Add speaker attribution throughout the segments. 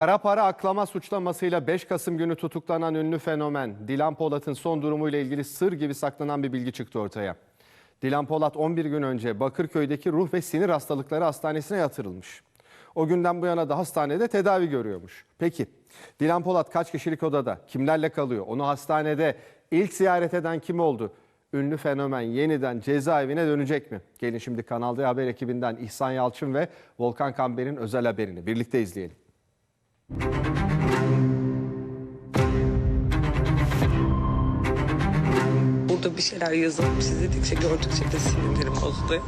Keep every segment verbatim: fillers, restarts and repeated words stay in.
Speaker 1: Kara para aklama suçlamasıyla beş Kasım günü tutuklanan ünlü fenomen Dilan Polat'ın son durumuyla ilgili sır gibi saklanan bir bilgi çıktı ortaya. Dilan Polat on bir gün önce Bakırköy'deki Ruh ve Sinir Hastalıkları Hastanesi'ne yatırılmış. O günden bu yana da hastanede tedavi görüyormuş. Peki Dilan Polat kaç kişilik odada, kimlerle kalıyor? Onu hastanede ilk ziyaret eden kim oldu? Ünlü fenomen yeniden cezaevine dönecek mi? Gelin şimdi Kanal D Haber ekibinden İhsan Yalçın ve Volkan Kamber'in özel haberini birlikte izleyelim.
Speaker 2: Burada bir şeyler yazılıp izledikçe, gördükçe de sinirlerim bozuluyor.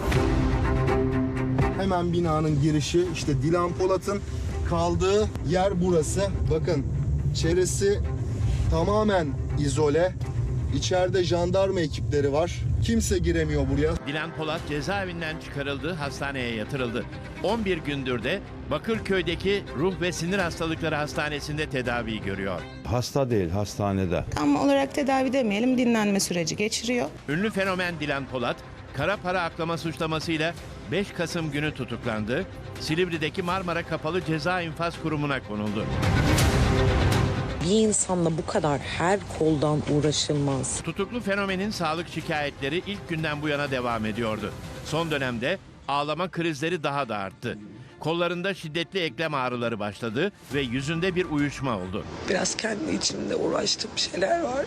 Speaker 3: Hemen binanın girişi, işte Dilan Polat'ın kaldığı yer burası. Bakın çevresi tamamen izole. İçeride jandarma ekipleri var. Kimse giremiyor buraya.
Speaker 4: Dilan Polat cezaevinden çıkarıldı, hastaneye yatırıldı. on bir gündür de Bakırköy'deki Ruh ve Sinir Hastalıkları Hastanesi'nde tedavi görüyor.
Speaker 5: Hasta değil, hastanede.
Speaker 6: Tam olarak tedavi demeyelim, dinlenme süreci geçiriyor.
Speaker 4: Ünlü fenomen Dilan Polat, kara para aklama suçlamasıyla beş Kasım günü tutuklandı. Silivri'deki Marmara Kapalı Ceza İnfaz Kurumu'na konuldu.
Speaker 2: Bir insanla bu kadar her koldan uğraşılmaz.
Speaker 4: Tutuklu fenomenin sağlık şikayetleri ilk günden bu yana devam ediyordu. Son dönemde ağlama krizleri daha da arttı. Kollarında şiddetli eklem ağrıları başladı ve yüzünde bir uyuşma oldu.
Speaker 2: Biraz kendi içimde uğraştığım şeyler var.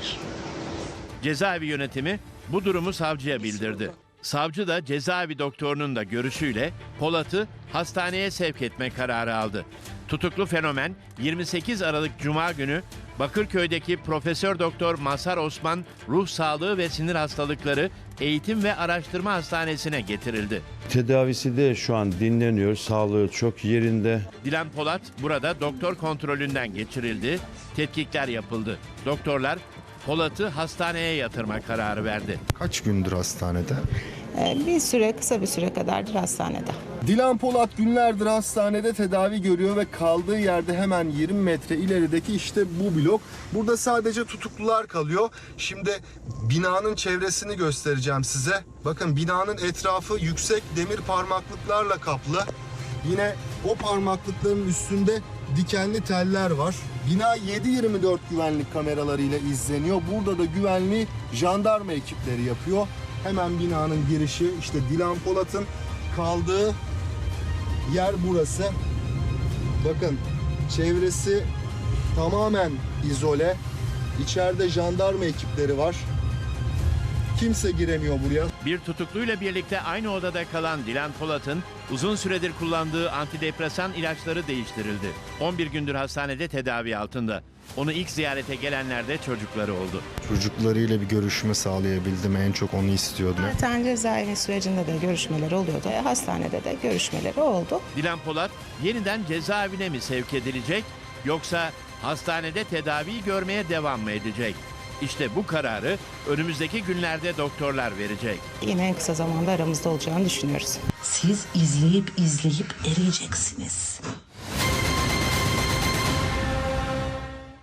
Speaker 4: Cezaevi yönetimi bu durumu savcıya bildirdi. Savcı da cezaevi doktorunun da görüşüyle Polat'ı hastaneye sevk etme kararı aldı. Tutuklu fenomen yirmi sekiz Aralık Cuma günü Bakırköy'deki Profesör Doktor Mazhar Osman Ruh Sağlığı ve Sinir Hastalıkları Eğitim ve Araştırma Hastanesi'ne getirildi.
Speaker 5: Tedavisi de şu an dinleniyor, sağlığı çok yerinde.
Speaker 4: Dilan Polat burada doktor kontrolünden geçirildi, tetkikler yapıldı. Doktorlar Polat'ı hastaneye yatırma kararı verdi.
Speaker 3: Kaç gündür hastanede?
Speaker 6: Ee, bir süre, kısa bir süre kadardır hastanede.
Speaker 3: Dilan Polat günlerdir hastanede tedavi görüyor ve kaldığı yerde hemen yirmi metre ilerideki işte bu blok. Burada sadece tutuklular kalıyor. Şimdi binanın çevresini göstereceğim size. Bakın binanın etrafı yüksek demir parmaklıklarla kaplı. Yine o parmaklıkların üstünde dikenli teller var. Bina yedi yirmi dört güvenlik kameralarıyla izleniyor. Burada da güvenliği jandarma ekipleri yapıyor. Hemen binanın girişi, işte Dilan Polat'ın kaldığı yer burası. Bakın çevresi tamamen izole. İçeride jandarma ekipleri var. Kimse giremiyor buraya.
Speaker 4: Bir tutukluyla birlikte aynı odada kalan Dilan Polat'ın uzun süredir kullandığı antidepresan ilaçları değiştirildi. on bir gündür hastanede tedavi altında. Onu ilk ziyarete gelenler de çocukları oldu.
Speaker 3: Çocuklarıyla bir görüşme sağlayabildim. En çok onu istiyordum.
Speaker 6: Zaten cezaevi sürecinde de görüşmeler oluyordu. E, Hastanede de görüşmeleri oldu.
Speaker 4: Dilan Polat yeniden cezaevine mi sevk edilecek yoksa hastanede tedavi görmeye devam mı edecek? İşte bu kararı önümüzdeki günlerde doktorlar verecek.
Speaker 6: Yine en kısa zamanda aramızda olacağını düşünüyoruz.
Speaker 7: Siz izleyip izleyip eriyeceksiniz.